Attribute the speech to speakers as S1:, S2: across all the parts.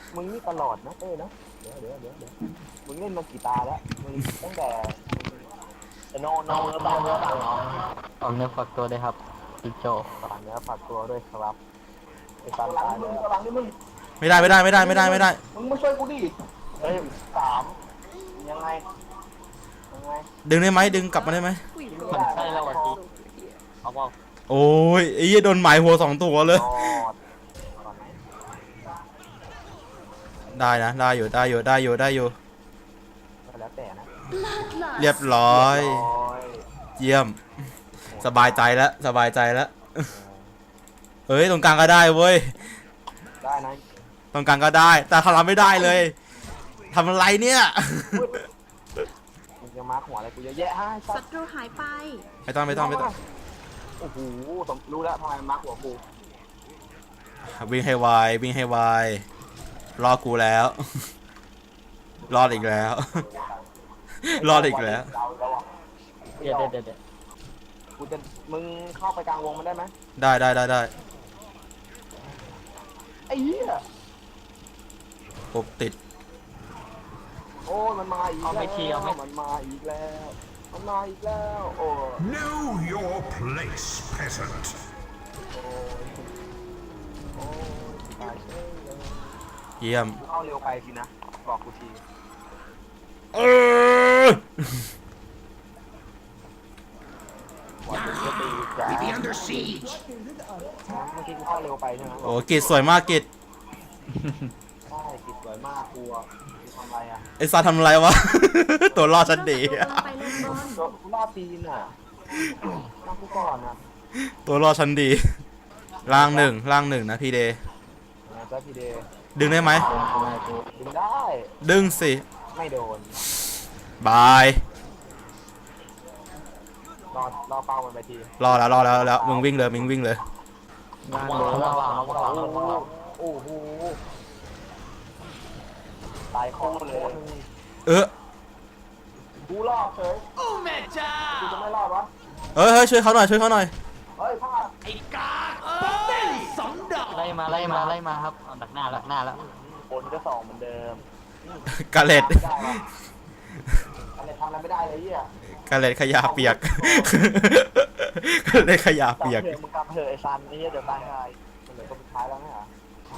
S1: มึงนี่ตลอดนะเต้นะเดี๋ยวมึงเล่นมากี่ตาแล้วมึงตั้งแต่โนเนื้อต่างน้อง
S2: ออกเนื้อฝักตัวเลยครับจิงโจ้
S1: ฝากเนื้อฝากตัวด้วยครับไอ้ตอนตายเลยหลังนี่มึง
S3: ไม่ได้ไม่ได้ไม่ได้ไม่ได้ไม่ได้
S1: มึงมาช่วยกูดิเฮ้ยสามยังไง
S3: ดึงได้ไหมดึงกลับมาได้ไหม
S2: มันใช่แล้ววันที่เอาบอก
S3: โอ้ยไอ้เหี้ยโดนหมายหัว2 ตัวเลย ได้นะได้อยู่ได้อยู่ได้อยู่ได้อยู่
S1: แล้วแต่นะ
S3: เรียบร้อยเยี่ยมสบายใจแล้วสบายใจแล้วเฮ้ยตรงกลางก็ได้เว้ย
S1: ได้นะ
S3: ตรงกลางก็ได้แต่ทำไม่ได้เลยทำอะไรเนี่ย
S1: มึงจะมาหัวอะไรกูเยอะแยะให้
S4: ศัตรูหายไป
S3: ไม่ต้อง
S1: โอ้โหรู้แล้วทำไมมาหัวกู
S3: วิ่งให้ไววิ่งให้ไวรอกูแล้ว รอดอีกแล้ว รอดอีกแล้ว
S2: เดี๋ยว
S1: กูจะมึงเข้าไปกลางวงมันได้ไหม
S3: ได้
S1: ไอ้เหี้ย
S3: ปุ๊บติด
S1: โอ้ยมันมาอีกแล้วมันมาอีกแล้วมันมาอีกแล้วโอ้
S5: Know your place, peasant.
S1: โอ้ตายเฉยเลย
S3: เยี่ยม
S1: เข้าเร็วไปสินะบอกกูที
S3: เออ
S1: ว่ามึงจะตีจ้า
S5: Be under siege.
S1: เมื่อกี้กูเข้าเร็วไปใช่ไหม
S3: โอ้กิจสวยมากกิจ
S1: ใช่กิจสวยมากกูอ่ะกูทำอะไรอ่ะ
S3: ไอ้ซาทำอะไรวะ ตัวรอดฉันดี
S4: ศัตรูกำลังไปเล่นบอล
S1: กูล่าตีนอ่ะนั่งกูก่อนอ่ะ
S3: ตัวรอดฉันดีล่างหนึ่งนะพี่เดย์
S1: เจ้าพี่เดย์
S3: ดึงได้ไหม
S1: ดึงได้
S3: ดึงสิ
S1: ไม่โดน
S3: บาย
S1: รอเป้ามันไปที
S3: รอแล้วมึงวิ่งเลย
S2: วาง
S1: โอ้โหตายคอเลย กูรอดเฉยโอ้แม่จ้ากูจะไม่รอดวะ
S3: เฮ้ยช่วยเขาหน่อย
S1: เฮ้ยพลาด
S2: ไล่มาครับเอาดักหน้าแล้ว
S1: ผลก็สองเหมือนเดิม
S3: กาเลต
S1: ไม่ได้วะอะไรทำอะไรไม่ได้เลยเหี้ย
S3: กาเลตขยะเปียก กาเลตขยะเปียก
S1: มึงกลับเถอะไอ้ซันไอ้เหี้ยเดี๋ยวตายหายมันเหลือคนสุดท้ายแล้วไงเหรอ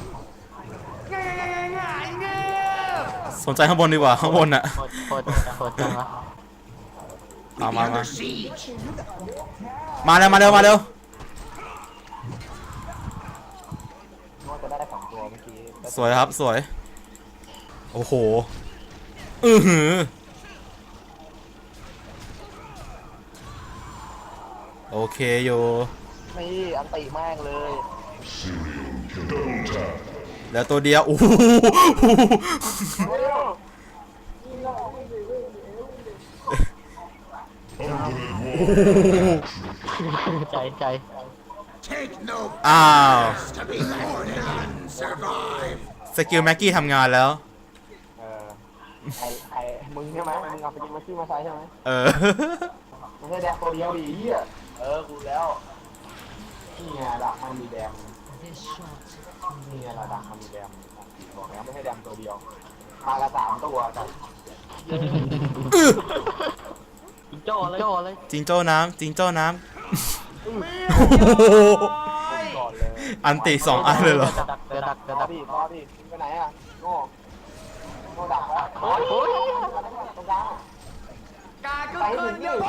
S3: สนใจข้างบนดีกว่าข้างบนอะ
S2: โคตรจังวะ
S5: Be
S3: มา
S5: under siege.
S3: มาเร็ว
S1: นึกว่าจะได้สองตัวเมื่อกี้แต่
S3: สวยครับสวยโอ้โหอือหือโอเคอยู่
S1: นี่อันติแม่งเลย
S3: แล้วตัวเดียวโอ้โห
S2: ใจ
S5: Take no
S3: อ้าว
S5: to be more than none survive.
S3: สกิลแม็กกี้ทำงานแล้ว
S1: เออไอ้มึงใช่ไหมมึงเอาไปกินมาซี่มาใช้ใช่ไหม
S3: เออ
S1: ไม่ใช่แดงตัวเดียวดีเหี้ยกูแล้วนี่ไงดักมันมีแดงนี่ไงละดักมันมีแดงบอกแล้วไม่ใช่แดงตัวเดียวมาละ3 ตัวแต่
S2: จิงโจ้เลย
S3: จิงโจ้น้ำ
S1: ก่อนเลย
S3: อันติ2 อันเลยเหรอ
S2: ดัก
S1: รอดิไปไหนอ่ะโง่ดักแล้วตรงกลางไปถึงนี่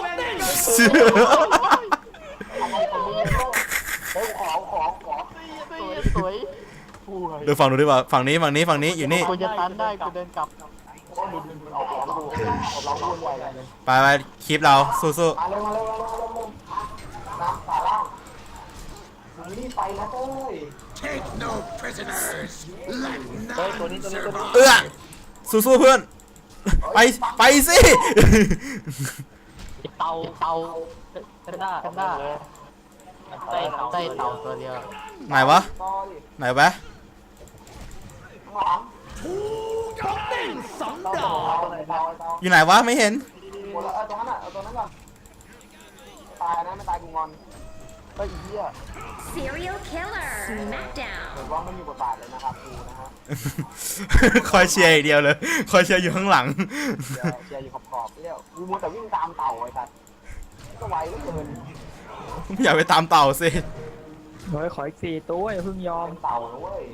S1: อะไรของมึงเฮ้ยขอ
S2: สวย
S3: เดี๋ยวฝั่งนู้นดีกว่าฝั่งนี้อยู่นี่
S2: กูจะตันได้กูเดินกลับ
S1: เอาของดูเราพูดไวเลย
S3: ไปคลิปเราสู้
S1: มาเร็วน้ำสาล่างมึงรีบไปนะเต้ย
S5: Take no prisoners. Let
S1: เฮ้ย
S5: none
S1: ตัวนี้
S5: survive.
S3: สู้เพื่อน ไปสิ
S2: เตากันด้าใต้เตาตัวเดียว
S3: ไหนวะ
S1: ต่อดิ
S3: ไหนวะ
S1: ข้างหลังเตา
S3: อยู่ไหนวะไม่เห็น
S1: หมดแล้วตรงนั้นก่อนตายนะไม่ตายกูงอนเฮ้ยเหี้ย
S4: Serial killer.
S1: เห็น
S4: Smackdown.
S1: ว่าไม่มีบทบาทเลยนะครับกูนะฮะ
S3: คอยเชียร์อย่างเดียวเลย คอยเชียร์อยู่ข้างหลัง
S1: เชียร์อยู่ขอบๆเรียกกูมัวแต่วิ่งตามเต่าไอ้สัตว์ก็ไวเหลือเกิน
S3: ไม่อยากไปตามเต่าสิ
S2: เฮ้ยขออีก4 ตัวอย่าเพิ่งยอม
S1: เป็นเต่านะเว้ย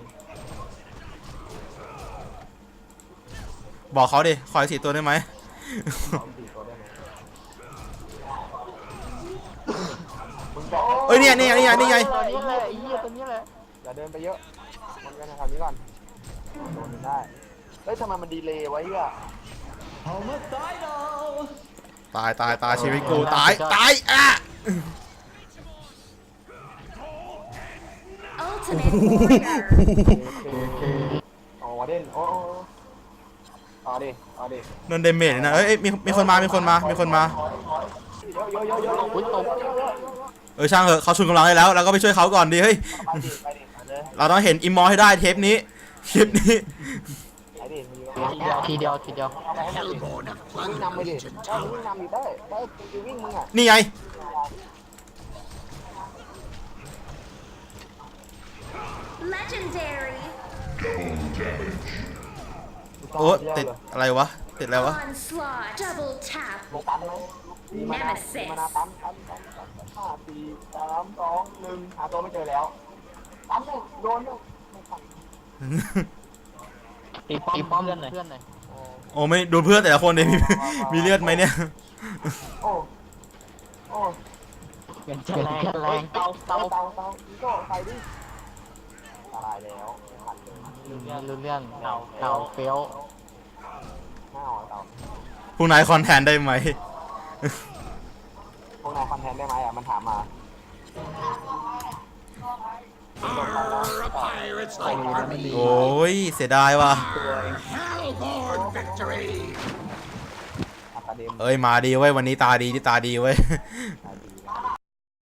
S3: บอกเขาดิ คอย4 ตัวได้ไหม
S1: เอาสี่ตัวได้ไหมมึงจะ
S3: เอ้ยเนี่ยนี่ไง
S2: ตัวนี้แหละไอ้เหี้ยตัวนี้แหละ
S1: อย่าเดินไปเยอะมันกันนะครับนี้ก่อนโดนได้เฮ้ยทำไมมันดีเลย์ไว้อะ
S3: ตายชีวิตกูตายอ่ะ
S4: Ultimate warrior.
S1: อ๋อเด่นโอ้เอาดิเอาดิ
S3: โดนเดเมจเลยนะเอ้ยมีคนมา
S1: เยอะเยอะเยอะ
S2: อุ้ยตก
S3: ช่างเถอะเขาชุนกำลังได้แล้วเราก็ไปช่วยเขาก่อนดิเฮ้ย
S1: ไปดิไปเลย
S3: เราต้องเห็นอิมมอร์ให้ได้เทปนี้คลิปนี้
S1: ไปดิ
S2: ทีเดียว
S5: Hellborn have
S1: วิ่ง
S5: plundered
S1: นำไป
S5: our
S1: ดิ
S5: ancient
S1: วิ่ง
S5: tower.
S1: นำดิได้วิ่งมึงอ่ะ
S3: นี่ไง
S4: Legendary.
S3: โอ้ติดอะไรวะ ติดอะไรวะ
S4: Onslaught. Double tap.
S1: ลงตันไหมมีมานาตัน5 4 3 2 1หาตัวไม่เจอแล้วตันเลยโดนเลยไม่ตัน
S2: ตีป้อมเพื่อนหน่อย
S3: โอ้ไม่ดูเพื่อนแต่ละคนเลยมีเลือดไหมเนี่ย
S1: โอ้โอ้
S2: เป็นแรงเตา
S1: เตาอีโก้ใส่ดิตายแล้วไม่ทันเลย
S2: รู้เรื่องเตาเฟี้ยว
S1: ห้าวเตา
S3: ผู้นายคอนแทนได้ไหม
S1: พวกนายคอนเทนต์ได้ไหมอ่ะมันถามมา
S5: Arr, a pirate's like army.
S3: โอ้ยเสียดายว่ะ
S5: Arr, Hellborn victory.
S1: อะคาเดม
S3: เอ้ยมาดีเว้ยวันนี้ตาดีที่ตาดีเว้ย
S1: ตาดี